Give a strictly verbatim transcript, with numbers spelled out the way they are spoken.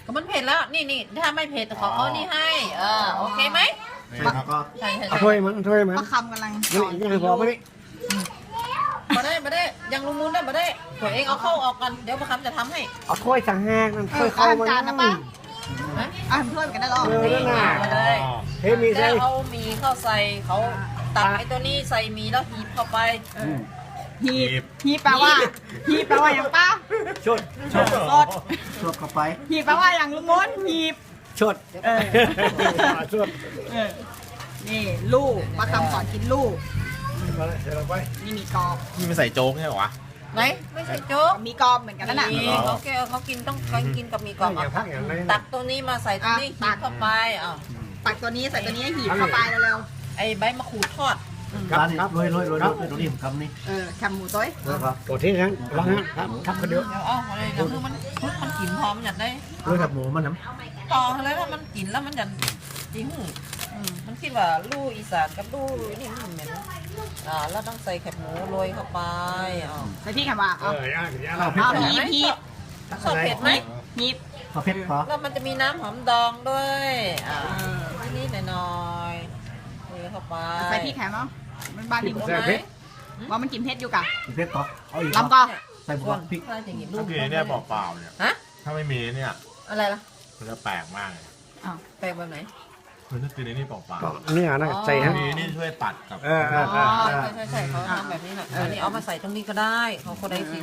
ก็มันเผ็ดแล้วนี่นี่ถ้าไม่เผ็ดขอเอานี่ให้เออโอเคไหมแล้วก็ใช่ใช่เอาถ้วยมันถ้วยมันประคำกำลังนี่ยังพอไม่ได้มาได้มาได้ยังลุงมูลได้มาได้ตัวเองเอาเข้าออกกันเดี๋ยวประคำจะทำให้เอาถ้วยสั่งแห้งนั่นเอถ้วอยเข้าข้าวมันจานนะป้านะอ่านถ้วยกันได้หรอเออนั่นน่ะมาเลยเฮ้ยมีใส่แล้วเอาหมีเข้าใส่เขาตักไอ้ตัวนี้ใส่หมีแล้วหีบเข้าไปฮีบฮีบแปลว่าฮีบแปลว่าอย่างป้าชดสดชดเข้าไปฮีบแปลว่าอย่างลุงมนฮีบชดเออชดเออนี่ลูกประคำสอนกินลูกมาเลยเดี๋ยวเราไปนี่มีกรอบนี่มันใส่โจ๊กใช่เหรอวะไหนไม่ใช่โจ๊กมีกรอบเหมือนกันนั่นน่ะนี่เขาแกเขากินต้องการกินกับหมีกรอบอย่างพักอย่างไรตักตัวนี้มาใส่ตัวนี้หีบเข้าไปอ้าวตักตัวนี้ใส่ตัวนี้ให้หีบเข้าไปเร็วไอ้ใบมะขูดทอดร้านนี้โรยโรยโรยโรยตรงนี้ผมคำนี้ๆเออแคมหมูต้อยนะครับตัวที่นั้นวางนั้นครับทับกันเดียวเดี๋ยวเอาอะไรเดี๋ยวคือมันมันมันกลิ่นหอมอยากได้โรยกับหมูมันน้ต่อเลยถ้ามันกลิ่นแล้วมันจะจริงอืมมันคิดว่าลู่อีสานกับลู่นี่มันเหม็นอ่าแล้วต้องใส่แคบหมูโรยเข้าไปอ้าวใส่พี่แคมว่าเอเอาอย่างอย่างำข้าวเผ็ดเอาเหรอหีบหีบชอบเผ็ดไหมหีบข้าวเผ็ดพอแล้วมันจะมีน้ำหอมดองด้วยอ่านิดๆหน่อยๆโรยเข้าไปใส่พี่แคมเอามันบ้านดิบใช่ไหมว่ามันกินเผ็ดอยู่กะเผ็ดพอเอาอีกลำก็ใส่บัวพริกถ้าจะกินลูถ้าก กินเนี่ยเปล่าๆเนี่ยฮะถ้าไม่มีเนี่ยอะไรล่ะมันจะแปลกมากเลยอ้าวแปลกแบบไหนคือถ้ากินในนี่เปล่าก็เนื้อนะใส่ๆฮะมีนี่ช่วยตัดกับเออเออเออ๋ออใช่ใช่ใช่เขาทำแบบนี้แหละอันนี้เอามาใส่ตรงนี้ก็ได้เขาก็ได้สิ